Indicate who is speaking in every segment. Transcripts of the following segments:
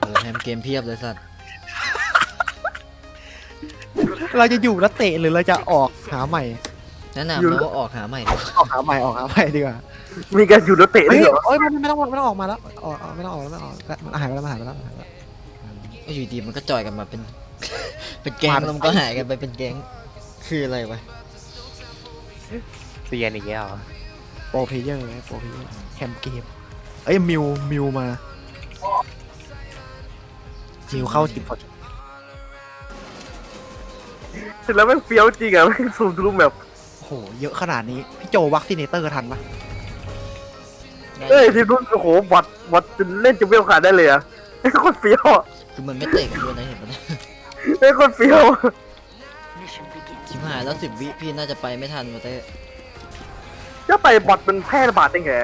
Speaker 1: โอ้แฮมเกมเพียบเลยสัตว์
Speaker 2: เราจะอยู่แล้วเตะหรือเราจะออกหาใหม่
Speaker 1: แนะนำแล้วว่าออกหาใหม่ดีกว่า
Speaker 2: ออกหาใหม่ดีกว่า
Speaker 3: มีการอยู่แล้วเตะ
Speaker 2: เฮ้
Speaker 3: ด้วย
Speaker 2: ย
Speaker 3: เหรอ
Speaker 2: โอ้ยไม่ต้องออกมาแล้วไม่ต้องออกแล้วมันหายไปแล้ว
Speaker 1: ก็อยู่ดีมันก็จอยกันมาเป็น เป็นแก๊งแล้วมันก็หายกันไปเป็นแก๊งคืออะไรวะ
Speaker 4: เซียนอีกแล้วเหรอ
Speaker 2: โปรเพลเยอร์แคมเกมเอ้ยมิวมามิวเข้าทีมพอดี
Speaker 3: เสร็จแล้วแม่งเฟี้ยวจริงอะแม่งซูมทะลุแบบ
Speaker 2: โอ้โหเยอะขนาดนี้พี่โจวัคซีเนเตอร์ทันปะ
Speaker 3: เอ้ยทีมนู้นโอ้โหบอทจนเล่นจะเวลขาดได้เลยอะไอ้โคตรเฟี้ยวอะ
Speaker 1: คือมันไม่เตะกันด้วยนะเห็นปะเนี่ย
Speaker 3: ไอ้โคตรเฟี้ยวอะ
Speaker 1: ชิบหายแล้ว10 วิพี่น่าจะไปไม่ทันมาเต้
Speaker 3: จะไปบอทมันแพร่ระบาดได้ไง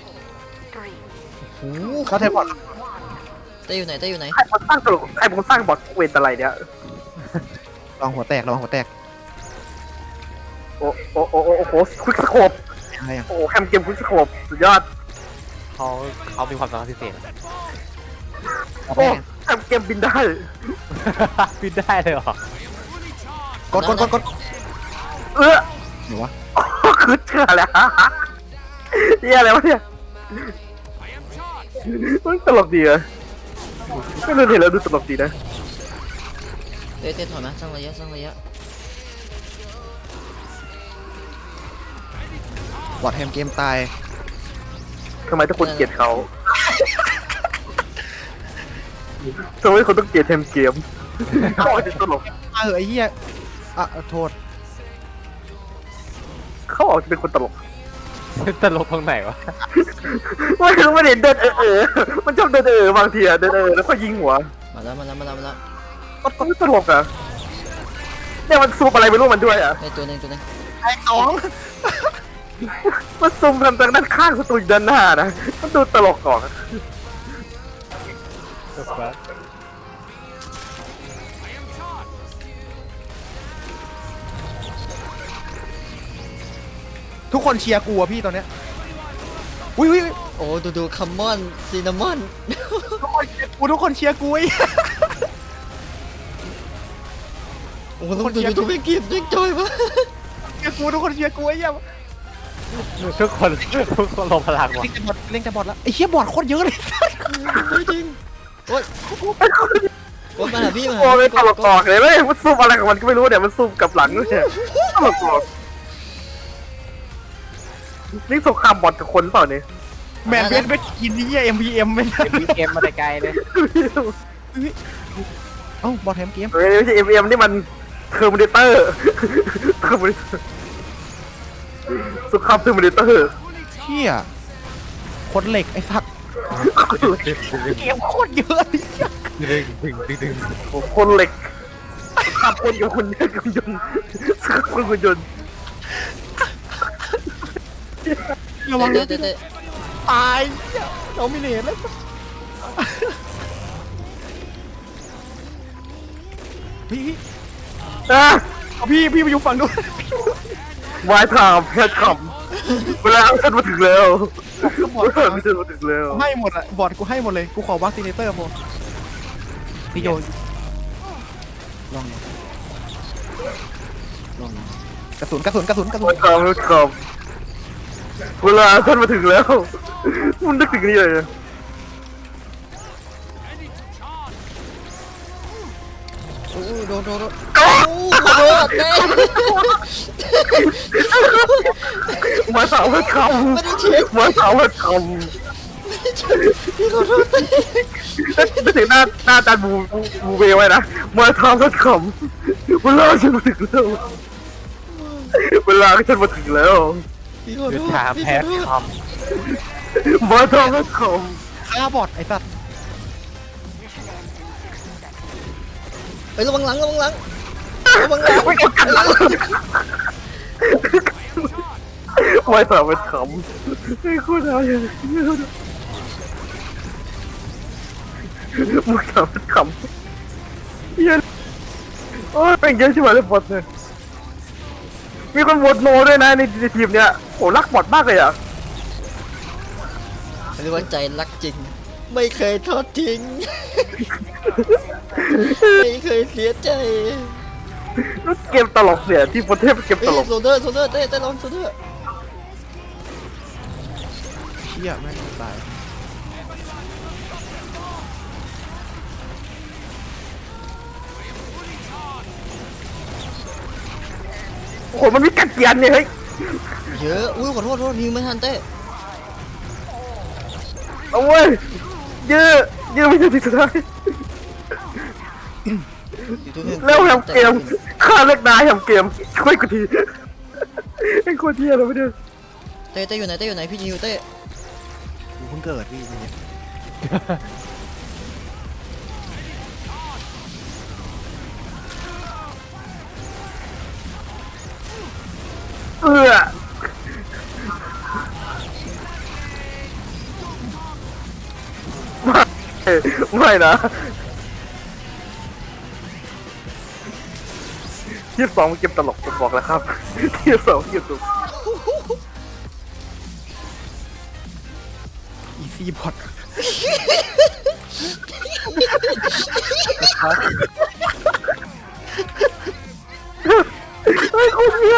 Speaker 1: โอ้
Speaker 2: เขาเทพอร์ต
Speaker 1: เต้อยู่ไหนเต้อยู่ไหน
Speaker 3: ใครมันสร้างตลกใครมันสร้างบอทเวทอะไรเนี่ย
Speaker 2: ระวังหัวแตก
Speaker 3: โอ้โหควิกสโคป
Speaker 2: อะไรอย่าง
Speaker 3: โอ้โหแฮมเกมควิกสโคปสุดยอด
Speaker 4: เขามีความสามารถพิเศษ
Speaker 3: โอ้แฮมเกมบินได้
Speaker 4: บินได้เลยเหรอก
Speaker 2: ด
Speaker 3: เออ
Speaker 2: หนูวะ
Speaker 3: คือเชื่อแล้วเฮียอะไรวะเนี่ยมันตลกดีอะก็ดูเห็นแล้วดูตลกดีนะ
Speaker 1: เต้ถอยมาสร้างระยะ
Speaker 2: บอดแฮมเกมตาย
Speaker 3: ทำไมทุกคนเกลียดเขาทำไมคนต้องเกลียดแฮมเกมเขาอาจจะตลก
Speaker 2: ไอ้เหี้ยโทษ
Speaker 3: เขาอาจจะเป็นคนตลก
Speaker 4: ตลกตรงไหนวะ
Speaker 3: ไม่รู้ไม่เห็นเดินมันชอบเดินบางทีอะเดินแล้วก็ยิงหัว
Speaker 1: มาแล้ว
Speaker 3: ก็ตลกอะเนี่ยมันซูมอะไรไม่รู้มันด้วยอะ
Speaker 1: เต้ตัวหนึง
Speaker 2: ไอ้สอง
Speaker 3: มันซูมทางด้านข้างศัตรูอยู่ด้านหน้านะมันดูตลกก่อน
Speaker 2: ทุกคนเชียร์กูอะพี่ตอนเนี้ยอุ้ย
Speaker 1: โอ้ดูคัมมอนซินนามอน
Speaker 2: ทุกคนเชียร์กูไอ้
Speaker 1: โอ้ต้องดูทุกเกมยังจอยปะ
Speaker 2: เชียร์กูทุกคนเชียร์กูไอ้เหี้ย
Speaker 4: ทุกคนลงพลังว่ะ
Speaker 2: เล่นแต่บอดแล้วไอ้เหี้ยบอดโคตรเยอะเลย
Speaker 1: ไม่จริงโอ๊ยมาหาพี่
Speaker 3: โอ้ยตลกก่อนเลยเว้ยมันซูมอะไรของมันก็ไม่รู้เนี่ยมันซูมกับหลังด้วยเนี่ยตลกก่อนนี่สงครามบอทกับคนเปล่าเนี่ย
Speaker 2: แมนเวสไปกินนี่เหี้ย MVM ไม่ได้
Speaker 4: มีเกมมาแต่ไกลเลย
Speaker 2: เอ้าบอดแฮมเกม
Speaker 3: เฮ้ยไม่ใช่ MM นี่มันเทอร์มินเตอร์สงครามเทอร์มินเตอร์
Speaker 2: เหี้ยคนเหล็กไอ้สัตว์เกมโคตรเยอะเลยเหี้ย
Speaker 3: โอ้คนเหล็กขับคนกับคนเนี่ยกับยนต์ขับคนกับยนต์
Speaker 2: ระวัง
Speaker 1: เต้
Speaker 2: ตายเหี้ยโดมิเนตแล้วพี่
Speaker 3: อ่ะ
Speaker 2: เอาพี่มาอยู่ฝั่งนู้น
Speaker 3: วายถามแพทย์ขำเวลาฉันมาถึงแล้วเวลาฉันมาถึงแล้ว
Speaker 2: ให้หมดอะบอดกูให้หมดเลยกูขอวัคซีเนเตอร์พอพี่โยลองกระสุน
Speaker 3: วายถามแพทย์ขำเวลาฉันมาถึงแล้วมันนึกถึงนี่เลย
Speaker 1: โอ้โดนโอ้โหเต้
Speaker 3: มาถามแพทย์ข
Speaker 1: ไม่ได้เช็ค
Speaker 3: ำมาถามแพทย์ข
Speaker 1: พี่ขอโทษเต้
Speaker 3: ำนึกถึงหน้าจานบูเบลไว้นะมาถามแพทย์ขำเวลาฉันมาถึงแล้วเวลาฉันมาถึงแล้ว
Speaker 1: พี่ขอโท
Speaker 4: ยุท
Speaker 1: ษ
Speaker 4: ธา
Speaker 1: พี่
Speaker 4: แพ
Speaker 1: ขอ
Speaker 4: ท
Speaker 1: โท
Speaker 4: ย์
Speaker 1: ษ
Speaker 4: ค
Speaker 3: มาถามแพทย์ข
Speaker 2: ฆ่าบอดไอ้สัตว์
Speaker 1: ไประวังหลัง
Speaker 3: ำมาถามแพทย์ขำไอ้คุณอะไรมาถามแพทย์ขำเยอะโอ้ยเป็นเยอะใช่ไหมเลยบอทเนี่ยมีคนโหวตโนด้วยนะในทีมเนี้ยโอ้รักบอทมากเลยอ่ะ
Speaker 1: เรียกว่าใจรักจริงไม่เคยทอดทิ้ง ไม่เคยเสียใจ
Speaker 3: เกมตลกเนี่ยที่ประเทศเกมต
Speaker 1: เฮ้ย
Speaker 3: ลก
Speaker 1: โซเดอร์เต้ลองโซเดอร์
Speaker 2: เชี่ยแม่งตาย
Speaker 3: โอ้โหมันมีกัดเกียนเนี่ยเฮ้ย
Speaker 1: เยอะอุ้ยขอโทษยิงไม่ทันเต้
Speaker 3: เอาเว้ยเยอะไม่ใช่ที่สุดท้ายแล้วทำเกมฆ่าเล็กนายทำเกมช่วยกูทีไอ้คนเที่ยเราไม่ได้
Speaker 1: เต้อยู่ไหนพี่ยิวเต้
Speaker 2: กูเพิ่งเกิดพี่เนี่ย
Speaker 3: เอื้อไม่นะที่สองเกมตลกผมบอกแล้วครับที่สองเกมตลก
Speaker 2: อีซี่บอท
Speaker 3: เฮ้ยคุณเนี่ย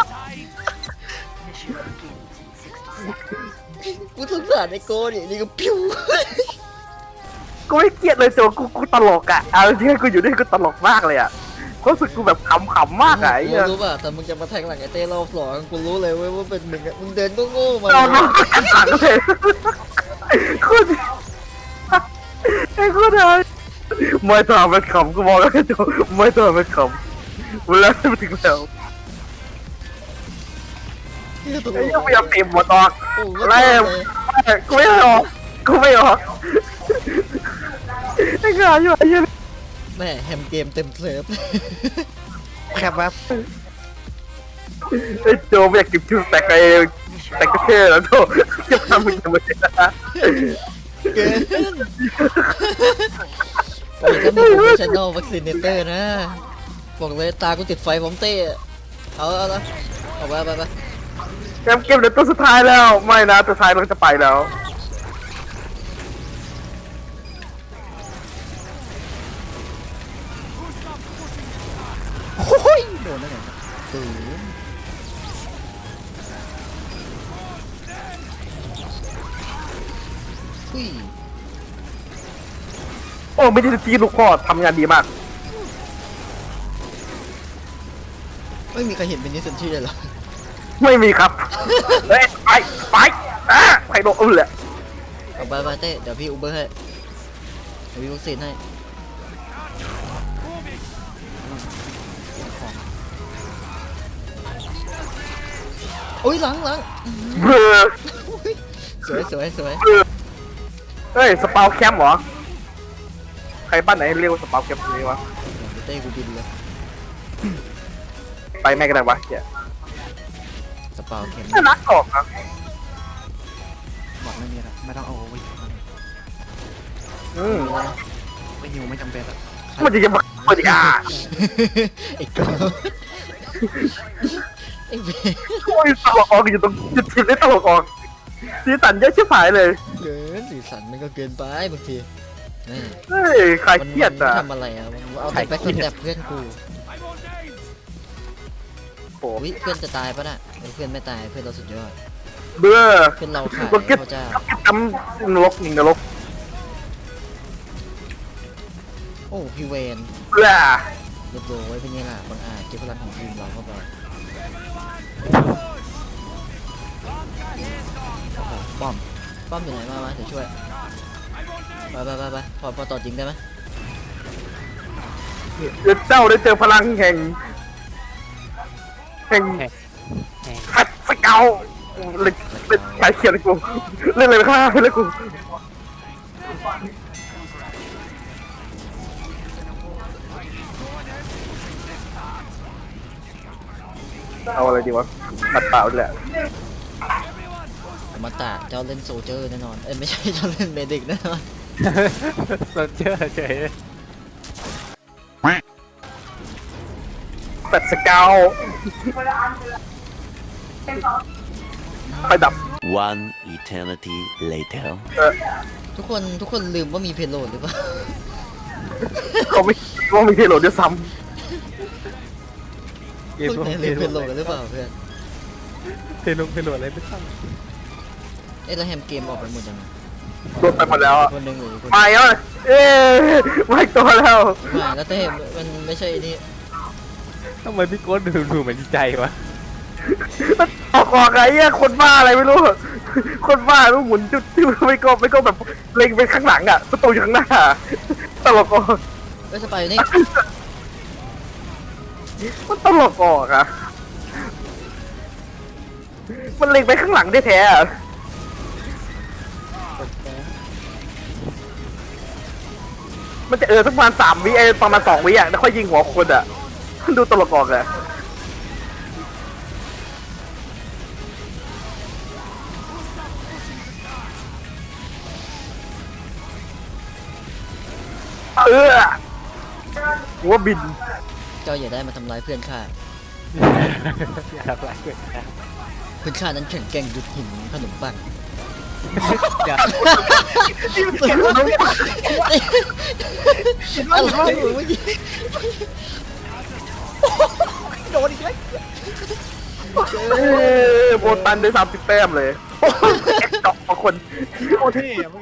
Speaker 1: กูสงสารไอโก้เนี่ยนี่ก็พิ้ว
Speaker 3: กูไม่เกลียดเลยโจกูตลกอ่ะเอาจริงๆกูอยู่นี่กูตลกมากเลยอ่ะรู้สึกกูแบบขำๆมากอ่ะไอ้
Speaker 1: กู
Speaker 3: เหี้ย
Speaker 1: รู้ป่ะแต่มึงจะมาแทงหลังไอเต้รอบสองกูรู้เลยเว้ยว่าเป็นมึงอะมึงเดินก็โง่มา
Speaker 3: เราต้องกันหลังเลยคุณไอ้คุณอะไรไม่ทำเป็นขำกูบอกแล้วโจไม่ทำเป็นขำเวลาที่มาถึงแล้ว
Speaker 1: เหี้ยตล
Speaker 3: ไอ้
Speaker 1: ก
Speaker 3: ยังพยายามเตะหมดออก
Speaker 1: โอ้โห
Speaker 3: อะไรกูไม่ออกกูไม่ออกไอ้งานอยู่ไอ้ยัง
Speaker 1: แม่แฮมเกมเต็มเซิร์ฟ
Speaker 2: แคบแวบ
Speaker 3: ไอ้โจไม่อยากเก็บชื่อแต่ก็เท่แล้วโจจะทำมึงทำไมนะ
Speaker 1: เกินโอ้ยถ้ามีโปรเฟชชั่นอลวัคซีนเตอร์นะบอกเลยตากูติดไฟผมเต้เอาละเอาไป
Speaker 3: เกมเดี๋ยวตัวสุดท้ายแล้วไม่นะตัวสุดท้ายเราจะไปแล้วโอ้ย
Speaker 2: โดนได้ไง
Speaker 1: ตื่นอุ้ย
Speaker 3: โอ้ไม่ได้ทีลูกพ่อทำงานดีมาก
Speaker 1: ไม่มีใครเห็นเป็นนิสันชี่เลยเหรอ
Speaker 3: ไม่มีครับเฮ้ยไปไปโดนเลย
Speaker 1: เอาไปเต้เดี๋ยวพี่อูเบอร์ให้เดี๋ยวพี่วัคซีนให้โอ้ยหลัง
Speaker 3: เบลอ
Speaker 1: สวย
Speaker 3: เฮ้ยสปาวแคมป์เหรอใครบ้านไหนเรียกว่าสปาวแคมป์นี้วะ
Speaker 1: เต้กูบินเลย
Speaker 3: ไปแม่กันได้วะเฮีย
Speaker 1: สปาวเข็ม
Speaker 3: น่ารักออกนะ
Speaker 2: บอกไม่มีละไม่ต้องเอาไว้
Speaker 3: อืม
Speaker 2: ไม่หิวไม่จำเป็นอะ
Speaker 3: มันจะยังมาเปิดอีกอ่ะ
Speaker 1: ไอ้ก้ไอ้เบ
Speaker 3: โอ้ยตลกออกอยู่ตรงจุดทีมได้ตลกออกสีสันเยอะชิบหายเลย
Speaker 1: เกินสีสันมันก็เกินไปบางทีแม่
Speaker 3: เฮ้ยใครเครียดอ่ะ
Speaker 1: ทำอะไรอ่ะมันเอาแต่แบ็คสแตปเพื่อนกู
Speaker 3: โอ้
Speaker 1: วิเพื่อนจะตายปะน่ะเพื่อนไม่ตายเพื่อนเราสุดยอด
Speaker 3: เบื่อ
Speaker 1: เพื่อนเราขาย
Speaker 3: ก็เก็บ
Speaker 1: พระเจ้า
Speaker 3: ทำนรกหนึ่งนรก
Speaker 1: โอ้พี่เวน
Speaker 3: เบื่อ
Speaker 1: เรียบร้อยเป็นไงล่ะบางอาจเก็บพลังของทีมเราเข้าไปโอ้โหป้อมอยู่ไหนมาเดี๋ยวช่วยไปพอต่อจริงได้ไหม
Speaker 3: เดี๋ยวเจ้าได้เจอพลังแห่งฟัดสเกลเล่นใช้เขียนกูเล่นอะไรไปข้างหน้าเลยกูเอาอะไรดีวะมัดเปล่าแหละ
Speaker 1: อมตะเจ้าเล่นโซเจอร์แน่นอนเอ้ยไม่ใช่เจ้าเล่นเมดิกแน่นอน
Speaker 4: เราเชื่อเฉย
Speaker 3: แฟดสเกลไฟดับ
Speaker 5: One eternity later.
Speaker 1: ทุกคนลืมว่ามีเพลโลดหรือเปล่า
Speaker 3: เขาไม่ว่ามีเทโลด้วยซ้
Speaker 4: เกม
Speaker 1: พวก
Speaker 4: พวก
Speaker 1: นายลืมเพลโลดกันหรือเปล่าเพื่อน
Speaker 4: เทลงเทโลอะไรไม่ต้อง
Speaker 1: เอ้ยแล้วแฮมเกมออกไปหมดยัง
Speaker 3: ำโดนไปหมดแล้วอะ
Speaker 1: คนหนึ่งหรือคน
Speaker 3: มาแล้วเอ๊ไม่ตัวแล้ว
Speaker 1: ไม่แล้วแต่มันไม่ใช่นี่
Speaker 4: ทำไมพี่โก้ดูเหมือนดีใจวะ
Speaker 3: ออกไงเนี่ยคนบ้าอะไรไม่รู้ คนบ้าต้องหมุนจุดที่ไม่ก็แบบเล็งไปข้างหลังอ่ะประตูอยู่ข้างหน้าตลกออก
Speaker 1: เอ้ยสไปร์อยู่นี่
Speaker 3: มันตลกออกอ่ะมันเล็งไปข้างหลังได้แท้ๆอะมันจะสักประมาณ3 วิประมาณ2 วิอ่ะแล้วค่อยยิงหัวคนอ่ะมันดูตลกออกอ่ะหัวบิน
Speaker 1: เจ้าอย่าได้มาทำร้ายเพื่อนข้า
Speaker 4: อยากรักเกิน
Speaker 1: เพื่อนข้านั้นแข็งแกร่งดุจหินขนมปัง
Speaker 4: อยาก
Speaker 1: อะไรวะเมื่อกี้
Speaker 3: โบตันได้30 แต้มเลย แอคดอกมาคน
Speaker 2: โคตรเท่อะ